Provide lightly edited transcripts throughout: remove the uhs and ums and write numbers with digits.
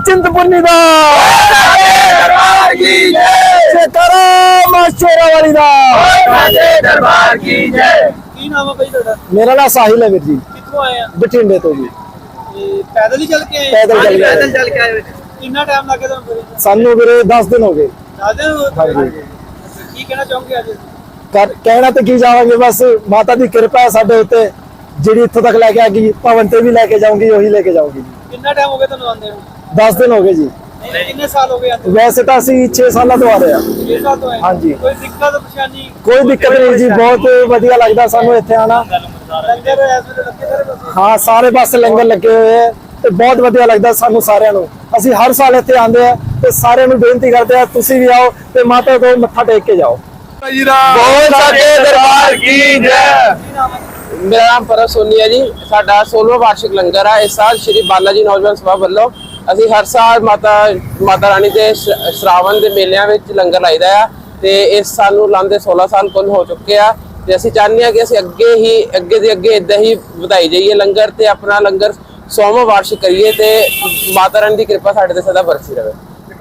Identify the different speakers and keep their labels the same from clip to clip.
Speaker 1: चिंतपुर्नी दा जयकारा मां शेरावाली दा।
Speaker 2: दरबार की जय। की नाम है भाई ਤੁਹਾਡਾ?
Speaker 1: मेरा नाम साहिल है वीर जी।
Speaker 2: कित्थों आए हैं?
Speaker 1: बठिंडे तो जी।
Speaker 2: पैदल ही चल के आए?
Speaker 1: पैदल
Speaker 2: चल के आए। कितना टाइम लगे ਤੁਹਾਨੂੰ?
Speaker 1: सानू वीरे 10 दिन हो गए।
Speaker 2: 10 दिन हो
Speaker 1: हाँ
Speaker 2: गए।
Speaker 1: जी।
Speaker 2: ਕੀ ਕਹਿਣਾ ਚਾਹੋਗੇ ਅੱਜ?
Speaker 1: कहना तो की जावांगे, बस माता दी कृपा है साडे उत्ते, ਜਿਹੜੀ ਇੱਥੋਂ ਤੱਕ ਲੈ ਕੇ ਆ ਗਈ ਭਵਨ ਤੇ ਵੀ ਲੈ ਕੇ ਜਾਊਂਗੀ, ਉਹੀ ਲੈ ਕੇ ਜਾਊਂਗੀ।
Speaker 2: ਕਿੰਨਾ ਟਾਈਮ ਹੋ ਗਿਆ ਤੁਹਾਨੂੰ ਆਉਂਦੇ ਨੂੰ?
Speaker 1: 10 दिन हो गए जी।
Speaker 2: ਕਿੰਨੇ ਸਾਲ ਹੋ ਗਏ ਆਉਂਦੇ?
Speaker 1: वैसे तो ਅਸੀਂ 6 ਸਾਲਾਂ ਤੋਂ ਆ ਰਹੇ ਹਾਂ।
Speaker 2: 6 ਸਾਲ ਤੋਂ ਆਏ?
Speaker 1: हाँ जी।
Speaker 2: ਕੋਈ ਦਿੱਕਤ ਪਰੇਸ਼ਾਨੀ?
Speaker 1: ਕੋਈ ਦਿੱਕਤ ਨਹੀਂ ਜੀ, ਬਹੁਤ ਵਧੀਆ ਲੱਗਦਾ ਸਾਨੂੰ ਇੱਥੇ ਆਣਾ।
Speaker 2: ਲੰਗਰ ਇਸ ਵੇਲੇ ਲੱਗੇ ਸਾਰੇ ਪਾਸੇ?
Speaker 1: ਹਾਂ, ਸਾਰੇ ਪਾਸੇ ਲੰਗਰ ਲੱਗੇ ਹੋਏ ਆ ਤੇ ਬਹੁਤ ਵਧੀਆ ਲੱਗਦਾ ਸਾਨੂੰ ਸਾਰਿਆਂ ਨੂੰ। ਅਸੀਂ ਹਰ ਸਾਲ ਇੱਥੇ ਆਉਂਦੇ ਆ ਤੇ ਸਾਰਿਆਂ ਨੂੰ ਬੇਨਤੀ ਕਰਦੇ ਆ ਤੁਸੀਂ ਵੀ ਆਓ ਤੇ ਮਾਤਾ ਕੋਲ ਮੱਥਾ ਟੇਕ ਕੇ ਜਾਓ।
Speaker 3: बोल सके दरबार की जय। मेरा नाम परम सोनी है जी। साडा 16वां वार्षिक लंगर है। इस साल श्री बालाजी नौजवान सभा ਵੱਲੋਂ ਅਸੀਂ ਹਰ ਸਾਲ ਮਾਤਾ ਰਾਣੀ ਦੇ ਸ਼ਰਾਵਣ ਦੇ ਮੇਲਿਆਂ ਵਿੱਚ ਲੰਗਰ ਲਾਈਦਾ ਆ ਤੇ ਇਸ ਸਾਲ ਨੂੰ ਲਾਉਂਦੇ 16 ਸਾਲ ਕੁੱਲ ਹੋ ਚੁੱਕੇ ਆ ਤੇ ਅਸੀਂ ਚਾਹੁੰਦੇ ਆ ਕਿ ਅਸੀਂ ਅੱਗੇ ਇਦਾਂ ਹੀ ਵਧਾਈ ਜਾਈਏ ਲੰਗਰ ਤੇ ਆਪਣਾ ਲੰਗਰ 100ਵਾਂ ਵਾਰਸ਼ਿਕ ਕਰੀਏ ਤੇ ਮਾਤਾ ਰਾਣੀ ਦੀ ਕਿਰਪਾ ਸਾਡੇ ਤੇ ਸਦਾ ਬਰਸੀ ਰਹੇ।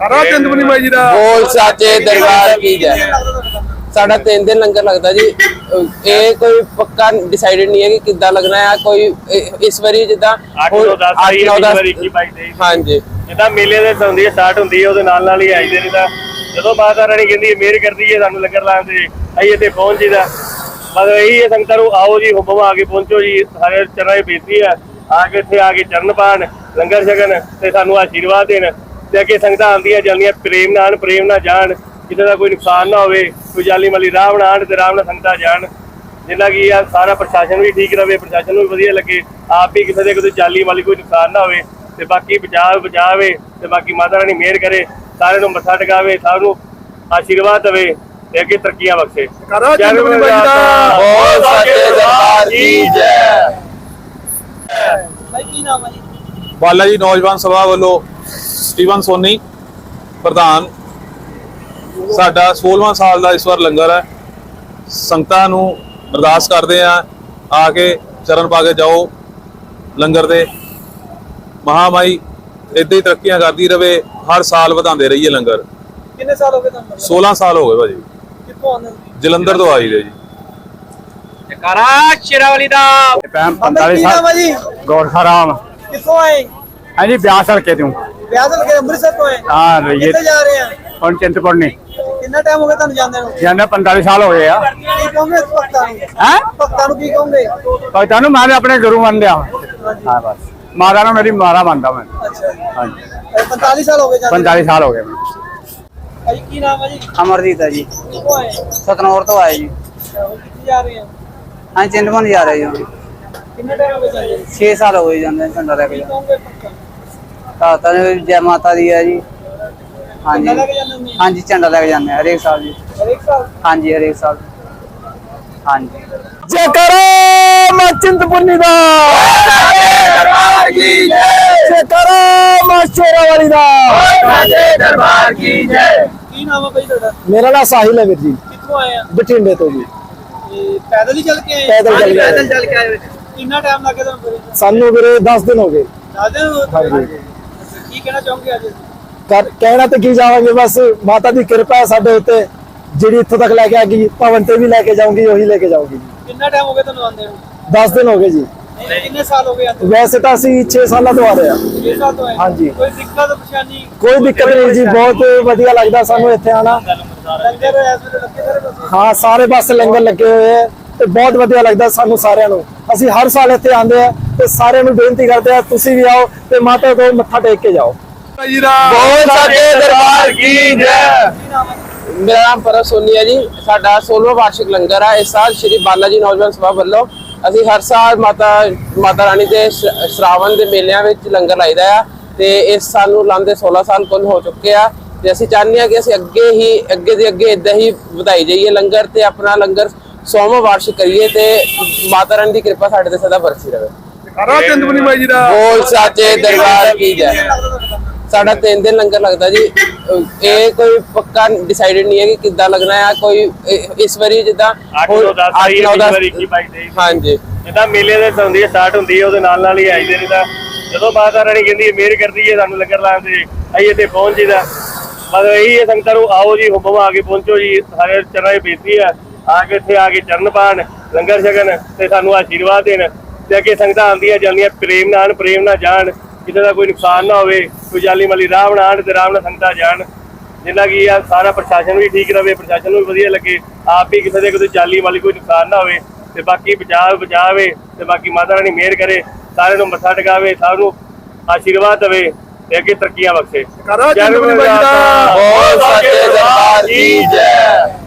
Speaker 3: बोल सके दरबार की जय। साढ़ा 3 दिन लंगर लगता जी। ये कोई पक्का डिसाइडेड नहीं है कि किद्दां लगना है। कोई इस बारी जिद्दां 8-9-10 हाँ जी
Speaker 4: जिद्दां मेले दे ਹੁੰਦੀ ਸਟਾਰਟ ਹੁੰਦੀ ਹੈ ਉਹਦੇ ਨਾਲ ਹੀ ਆਈਦੇ ਨੇ ਤਾਂ ਜਦੋਂ ਮਾਤਾ ਰਾਣੀ ਕਹਿੰਦੀ ਮਿਹਰ ਕਰਦੀ ਹੈ ਸਾਨੂੰ ਲੰਗਰ ਲਾਉਣ ਦੀ ਅਸੀਂ ਇੱਥੇ ਪਹੁੰਚ ਜੀਦਾ। ਮਤਲਬ ਇਹੀ ਹੈ ਸੰਗਤਾਂ ਨੂੰ ਆਓ ਜੀ, ਹੁਕਮ ਆ ਕੇ ਪਹੁੰਚੋ ਜੀ। ਸਾਰੇ ਚਰਨਾਂ 'ਚ ਬੇਨਤੀ ਹੈ ਆ ਕੇ ਇੱਥੇ ਆ ਕੇ ਚਰਨ ਪਾਣ ਲੰਗਰ ਛਕਣ ਤੇ ਸਾਨੂੰ ਆਸ਼ੀਰਵਾਦ ਦੇਣ ਤੇ ਅੱਗੇ ਸੰਗਤਾਂ ਆਉਂਦੀਆਂ ਜਾਂਦੀਆਂ ਪ੍ਰੇਮ ਨਾਲ ਜਾਣ, ਕਿਸੇ ਦਾ ਕੋਈ ਨੁਕਸਾਨ ਨਾ ਹੋਵੇ, ਕੋਈ ਜਾਲੀ ਮਾਲੀ ਰਾਹ ਨਾ ਆਣ ਤੇ ਰਾਮ ਨਾਲ ਸੰਗਤਾਂ ਜਾਣ। ਜਿੰਨਾ ਕੀ ਆ ਸਾਰਾ ਪ੍ਰਸ਼ਾਸਨ ਵੀ ਠੀਕ ਰਵੇ, ਪ੍ਰਸ਼ਾਸਨ ਨੂੰ ਵੀ ਵਧੀਆ ਲੱਗੇ, ਆਪ ਵੀ ਕਿਸੇ ਦੇ ਕੋਈ ਜਾਲੀ ਮਾਲੀ ਕੋਈ ਨੁਕਸਾਨ ਨਾ ਹੋਵੇ ਤੇ ਬਾਕੀ ਬਚਾਵੇ ਤੇ ਬਾਕੀ ਮਾਤਾ ਰਾਣੀ ਮਿਹਰ ਕਰੇ, ਸਾਰਿਆਂ ਨੂੰ ਮੱਥਾ ਟਿਕਾਵੇ, ਸਾਰਿਆਂ ਨੂੰ ਆਸ਼ੀਰਵਾਦ ਦੇਵੇ ਤੇ ਅੱਗੇ ਤਰੱਕੀਆਂ ਬਖਸ਼ੇ।
Speaker 3: बोल सके दरबार की जय।
Speaker 2: ਭਾਈ ਕੀ ਨਾਮ ਹੈ ਜੀ?
Speaker 5: ਬਾਲਾਜੀ ਨੌਜਵਾਨ ਸਭਾ ਵੱਲੋਂ ਸਟੀਵਨ ਸੋਨੀ ਪ੍ਰਧਾਨ। ਸਾਡਾ 16ਵਾਂ ਸਾਲ ਦਾ ਇਸ ਵਾਰ ਲੰਗਰ ਹੈ। ਸੰਗਤਾਂ ਨੂੰ ਅਰਦਾਸ ਕਰਦੇ ਆ ਕੇ ਚਰਨ ਪਾ ਕੇ ਜਾਓ ਲੰਗਰ ਦੇ। ਮਹਾਮਾਈ ਏਦਾਂ ਹੀ ਤਰੱਕੀਆਂ ਕਰਦੀ ਰਵੇ, ਹਰ ਸਾਲ ਵਧਾਉਂਦੇ ਰਹੀਏ ਲੰਗਰ।
Speaker 2: ਕਿੰਨੇ ਸਾਲ ਹੋ ਗਏ ਤੁਹਾਨੂੰ?
Speaker 5: 16 ਸਾਲ ਹੋ ਗਏ ਭਾਜੀ।
Speaker 2: ਕਿੱਥੋਂ ਆਉਂਦੇ ਹੋ?
Speaker 5: ਜਲੰਧਰ ਤੋਂ ਆਈ ਦੇ ਜੀ।
Speaker 3: जयकारा शेरावाली दा।
Speaker 2: 45 ਸਾਲ ਜੀ।
Speaker 1: ਗੋਰਖਾ ਰਾਮ।
Speaker 2: ਕਿੱਥੋਂ ਆਏ?
Speaker 1: हाँ जी, ब्यास हल्के तू।
Speaker 2: ਵਿਆਹ ਕੇ ਅੰਮ੍ਰਿਤਸਰ ਤੋਂ ਆਏ?
Speaker 1: हाँ,
Speaker 2: ਕਿੱਥੇ ਜਾ ਰਹੇ ਆ?
Speaker 1: ਹੁਣ ਚਿੰਤਪੁਰਨੀ
Speaker 2: ਕਿੰਨਾ ਟਾਈਮ ਹੋ ਗਿਆ ਤੁਹਾਨੂੰ ਜਾਂਦੇ ਨੂੰ?
Speaker 1: ਜਾਂਦੇ 45 ਸਾਲ ਹੋ ਗਏ ਆ।
Speaker 2: ਕੀ ਕਹੋਗੇ ਭਗਤਾਂ ਨੂੰ?
Speaker 1: ਹੈ
Speaker 2: ਭਗਤਾਂ ਨੂੰ ਕੀ ਕਹੋਗੇ?
Speaker 1: ਭਗਤਾਂ ਨੂੰ ਮੈਂ ਆਪਣੇ ਗੁਰੂ ਮੰਨਿਆ। ਹਾਂ ਬਸ ਮਾਤਾ ਨੂੰ ਮੇਰੀ ਮਾਰਾ ਮੰਨਦਾ ਮੈਂ।
Speaker 2: ਅੱਛਾ ਜੀ।
Speaker 1: ਹਾਂ ਜੀ,
Speaker 2: 45 ਸਾਲ ਹੋ ਗਏ ਜਾਂਦੇ?
Speaker 1: 45 ਸਾਲ ਹੋ ਗਏ।
Speaker 2: ਭਾਈ ਕੀ ਨਾਮ ਹੈ ਜੀ?
Speaker 6: ਅਮਰਜੀਤ ਹੈ ਜੀ।
Speaker 2: ਕਿੱਥੋਂ ਆਏ?
Speaker 6: ਸਤਨੌਰ ਤੋਂ ਆਏ ਜੀ।
Speaker 2: ਕਿੱਥੇ ਜਾ ਰਹੇ ਆ?
Speaker 6: ਹਾਂ, ਚਿੰਤਪੁਰਨੀ ਜਾ ਰਹੇ ਜੀ।
Speaker 2: ਕਿੰਨਾ ਟਾਈਮ ਹੋ ਗਿਆ ਜਾਂਦੇ ਨੂੰ?
Speaker 6: 6 ਸਾਲ ਹੋ ਗਏ ਜਾਂਦੇ ਝੰਡਾ ਲੈ ਕੇ।
Speaker 2: ਕੀ ਕਹੋਗੇ ਭਗਤਾਂ ਨੂੰ?
Speaker 6: ਤਾਂ ਜੈ ਮਾਤਾ ਦੀ ਹੈ ਜੀ। ਹਾਂਜੀ
Speaker 2: ਝੰਡਾ ਲੈ ਕੇ ਜਾਂਦੇ ਹੁੰਦੇ?
Speaker 6: ਹਾਂਜੀ, ਝੰਡਾ ਲੈ ਕੇ ਜਾਂਦੇ ਹਰੇਕ ਸਾਲ ਜੀ।
Speaker 2: ਹਰੇਕ ਸਾਲ?
Speaker 6: ਹਾਂਜੀ, ਹਰੇਕ ਸਾਲ। ਹਾਂਜੀ।
Speaker 1: जयकारा मां चिंतपुर्नी दा जयकारा मां शेरावाली दा।
Speaker 2: दरबार की जय। ਕੀ ਨਾਮ ਹੈ ਭਾਈ ਤੁਹਾਡਾ?
Speaker 1: मेरा नाम साहिल है वीर जी।
Speaker 2: ਕਿੱਥੋਂ ਆਏ ਆ?
Speaker 1: बठिंडे तो जी।
Speaker 2: ਪੈਦਲ ਹੀ ਚੱਲ ਕੇ ਆਏ?
Speaker 1: पैदल
Speaker 2: ਚੱਲ ਕੇ ਆਏ। ਕਿੰਨਾ ਟਾਈਮ ਲੱਗੇ ਤੁਹਾਨੂੰ?
Speaker 1: सानू वीरे 10 दिन हो गए।
Speaker 2: 10 दिन ਹੋ
Speaker 1: हाँ
Speaker 2: ਗਏ।
Speaker 1: जी।
Speaker 2: ਕੀ ਕਹਿਣਾ ਚਾਹੋਗੇ ਅੱਜ?
Speaker 1: ਕਹਿਣਾ ਤੇ ਕੀ ਜਾਵਾਂਗੇ, ਬਸ ਮਾਤਾ ਦੀ ਕਿਰਪਾ ਹੈ ਸਾਡੇ ਉੱਤੇ, ਜਿਹੜੀ ਇੱਥੋਂ ਤੱਕ ਲੈ ਕੇ ਆ ਗਈ ਭਵਨ ਤੇ ਵੀ ਲੈ ਕੇ ਜਾਊਂਗੀ, ਉਹੀ ਲੈ ਕੇ ਜਾਊਂਗੀ।
Speaker 2: ਕਿੰਨਾ ਟਾਈਮ ਹੋ ਗਿਆ ਤੁਹਾਨੂੰ ਆਉਂਦੇ ਨੂੰ?
Speaker 1: 10 दिन हो गए जी।
Speaker 2: ਕਿੰਨੇ ਸਾਲ ਹੋ ਗਏ ਆਉਂਦੇ?
Speaker 1: ਵੈਸੇ ਤਾਂ ਅਸੀਂ 6 ਸਾਲਾਂ ਤੋਂ ਆ ਰਹੇ ਹਾਂ।
Speaker 2: 6 ਸਾਲ ਤੋਂ ਆਏ?
Speaker 1: हाँ जी।
Speaker 2: ਕੋਈ ਦਿੱਕਤ ਪਰੇਸ਼ਾਨੀ?
Speaker 1: ਕੋਈ ਦਿੱਕਤ ਨਹੀਂ ਜੀ, ਬਹੁਤ ਵਧੀਆ ਲੱਗਦਾ ਸਾਨੂੰ ਇੱਥੇ ਆਣਾ।
Speaker 2: ਲੰਗਰ ਇਸ ਵੇਲੇ ਲੱਗੇ ਸਾਰੇ ਪਾਸੇ?
Speaker 1: ਹਾਂ, ਸਾਰੇ ਪਾਸੇ ਲੰਗਰ ਲੱਗੇ ਹੋਏ ਆ ਤੇ ਬਹੁਤ ਵਧੀਆ ਲੱਗਦਾ ਸਾਨੂੰ ਸਾਰਿਆਂ ਨੂੰ। ਅਸੀਂ ਹਰ ਸਾਲ ਇੱਥੇ ਆਉਂਦੇ ਆ ਤੇ ਸਾਰਿਆਂ ਨੂੰ ਬੇਨਤੀ ਕਰਦੇ ਆ ਤੁਸੀਂ ਵੀ ਆਓ ਤੇ ਮਾਤਾ ਕੋਲ ਮੱਥਾ ਟੇਕ ਕੇ ਜਾਓ।
Speaker 3: बोल सके दरबार की जय।
Speaker 2: ਕੀ ਨਾਮ ਹੈ?
Speaker 3: मेरा नाम परम सोनी है जी। साडा 16वां वार्षिक लंगर है। इस साल श्री बालाजी नौजवान सभा ਵੱਲੋਂ ਅਸੀਂ ਹਰ ਸਾਲ ਮਾਤਾ ਰਾਣੀ ਦੇ ਸ਼ਰਾਵਣ ਦੇ ਮੇਲਿਆਂ ਵਿੱਚ ਲੰਗਰ ਲਾਈਦਾ ਆ ਤੇ ਇਸ ਸਾਲ ਨੂੰ ਲਾਉਂਦੇ 16 ਸਾਲ ਕੁੱਲ ਹੋ ਚੁੱਕੇ ਆ ਤੇ ਅਸੀਂ ਚਾਹੁੰਦੇ ਆ ਕਿ ਅਸੀਂ ਅੱਗੇ ਇਦਾਂ ਹੀ ਵਧਾਈ ਜਾਈਏ ਲੰਗਰ ਤੇ ਆਪਣਾ ਲੰਗਰ 100ਵਾਂ ਵਾਰਸ਼ਿਕ ਕਰੀਏ ਤੇ ਮਾਤਾ ਰਾਣੀ ਦੀ ਕਿਰਪਾ ਸਾਡੇ ਤੇ ਸਦਾ ਬਰਸੀ ਰਹੇ। बोल सके दरबार की जय। साढ़ा 3 दिन लंगर लगता जी। ये कोई पक्का डिसाइडेड नहीं है कि किद्दां लगना है। कोई इस बारी जिद्दां 8-9-10 हाँ जी
Speaker 4: ਜਿੱਦਾਂ ਮੇਲੇ ਦੇ ਹੁੰਦੀ ਸਟਾਰਟ ਹੁੰਦੀ ਹੈ ਉਹਦੇ ਨਾਲ ਹੀ ਆਈਦੇ ਨੇ ਤਾਂ ਜਦੋਂ ਮਾਤਾ ਰਾਣੀ ਕਹਿੰਦੀ ਹੈ ਮਿਹਰ ਕਰਦੀ ਹੈ ਸਾਨੂੰ ਲੰਗਰ ਲਾਉਣ ਤੇ ਅਸੀਂ ਇੱਥੇ ਪਹੁੰਚ ਜੀਦਾ। ਬਸ ਇਹੀ ਹੈ ਸੰਗਤਾਂ ਨੂੰ ਆਓ ਜੀ, ਹੁਕਮ ਆ ਕੇ ਪਹੁੰਚੋ ਜੀ। ਸਾਰੇ ਚਰਨਾਂ 'ਚ ਬੇਨਤੀ ਹੈ ਆ ਕੇ ਇੱਥੇ ਆ ਕੇ ਚਰਨ ਪਾਣ, ਲੰਗਰ ਛਕਣ ਤੇ ਸਾਨੂੰ ਆਸ਼ੀਰਵਾਦ ਦੇਣ। ਤੇ ਅੱਗੇ ਸੰਗਤਾਂ ਆਉਂਦੀਆਂ ਜਾਂਦੀਆਂ ਪ੍ਰੇਮ ਨਾਲ ਆਉਣ, ਪ੍ਰੇਮ ਨਾਲ ਜਾਣ, ਕਿਸੇ ਦਾ ਕੋਈ ਨੁਕਸਾਨ ਨਾ ਹੋਵੇ, ਕੋਈ ਜਾਲੀ ਮਾਲੀ ਰਾਹ ਨਾ ਆਉਣ ਤੇ ਆਰਾਮ ਨਾਲ ਸੰਗਤਾਂ ਜਾਣ। ਜਿੰਨਾ ਕੀ ਆ ਸਾਰਾ ਪ੍ਰਸ਼ਾਸਨ ਵੀ ਠੀਕ ਰਵੇ, ਪ੍ਰਸ਼ਾਸਨ ਨੂੰ ਵੀ ਵਧੀਆ ਲੱਗੇ, ਆਪ ਵੀ ਕਿਸੇ ਦੇ ਕੋਈ ਜਾਲੀ ਵਾਲੀ ਕੋਈ ਨੁਕਸਾਨ ਨਾ ਹੋਵੇ ਤੇ ਬਾਕੀ ਬਚਾਵੇ ਤੇ ਬਾਕੀ ਮਾਤਾ ਰਾਣੀ ਮਿਹਰ ਕਰੇ, ਸਾਰਿਆਂ ਨੂੰ ਮੱਥਾ ਟਿਕਾਵੇ, ਸਾਰਿਆਂ ਨੂੰ ਆਸ਼ੀਰਵਾਦ ਦੇਵੇ ਤੇ ਅੱਗੇ ਤਰੱਕੀਆਂ ਬਖਸ਼ੇ।
Speaker 1: ਕਰੋ ਚੰਦ ਬੁੱਢੀ ਬਾਈ ਦਾ
Speaker 3: ਬੋਲ ਸੱਚੇ ਦਰਬਾਰ ਕੀ ਜੈ।